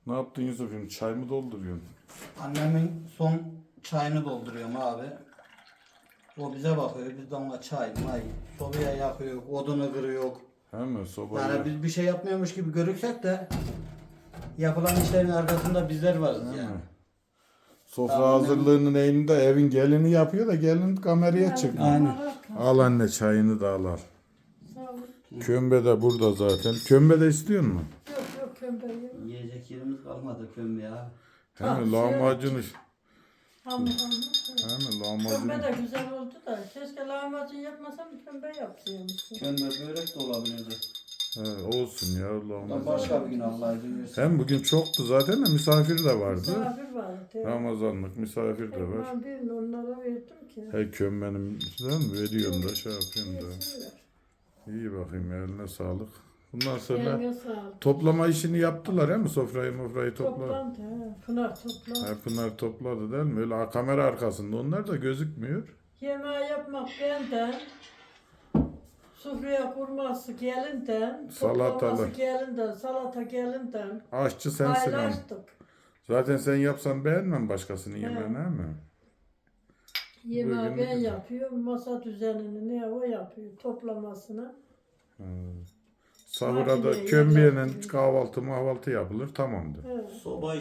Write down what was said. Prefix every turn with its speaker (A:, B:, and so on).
A: Ne yaptın Yusuf'um? Çay mı dolduruyorsun?
B: Annemin son çayını dolduruyorum abi. O bize bakıyor, biz de ona çay, may, sobaya yakıyor, odunu kırıyor.
A: He mi? Sobayı.
B: Yani biz bir şey yapmıyormuş gibi görürsek de yapılan işlerin arkasında bizler varız
A: He
B: yani.
A: mi? Sofra
B: Tamam,
A: hazırlığının elinde evin gelini yapıyor da gelin kameraya çıkmıyor.
B: Aynen.
A: Al anne çayını da al al.
C: Sağ ol.
A: Kömbe de burada zaten. Kömbe de istiyor musun?
C: Yok yok kömbeyi.
B: Yiyecek yerimiz kalmadı kömbe abi.
A: He mi? Lahmacun iş.
C: Hamur.
A: He mi? Lahmacun.
C: Kömbe de güzel oldu da. Keşke lahmacun yapmasam kömbe yapsaymışsın.
B: Kömbe börek de olabilirdi.
A: He, olsun ya
B: Da
A: lahmacun.
B: başka bir gün Allah izin verirse.
A: Hem bugün çoktu zaten de misafir de vardı.
C: Misafir vardı.
A: Ramazanlık misafir de var.
C: Ben birini onlara verdim ki.
A: He kömbenin sizden veriyorum da şey yapıyorum da.
C: Yesinler.
A: İyi bakayım ya, eline sağlık. Bundan sonra
C: Eline sağlık.
A: toplama işini yaptılar he mi? Sofrayı topla.
C: Toplandı. He. Pınar toplandı.
A: He, Pınar topladı değil mi? Öyle kamera arkasında onlar da gözükmüyor.
C: Yemeği yapmak benden. Sofraya kurması gelinden.
A: Salatalı.
C: Toplaması gelinden. Salata gelinden.
A: Aşçı sensin ama.
C: Paylaştık.
A: Zaten sen yapsan beğenmem başkasının yemeğini he mi?
C: Yemeği
A: Bugün-
C: ben yapıyorum. Masa düzenini ne o yapıyor. Toplamasını.
A: Sahura da
C: Makineye
A: kömbeyle
C: yapıyor.
A: kahvaltı mahvaltı yapılır tamamdır.
C: Evet.
B: Soba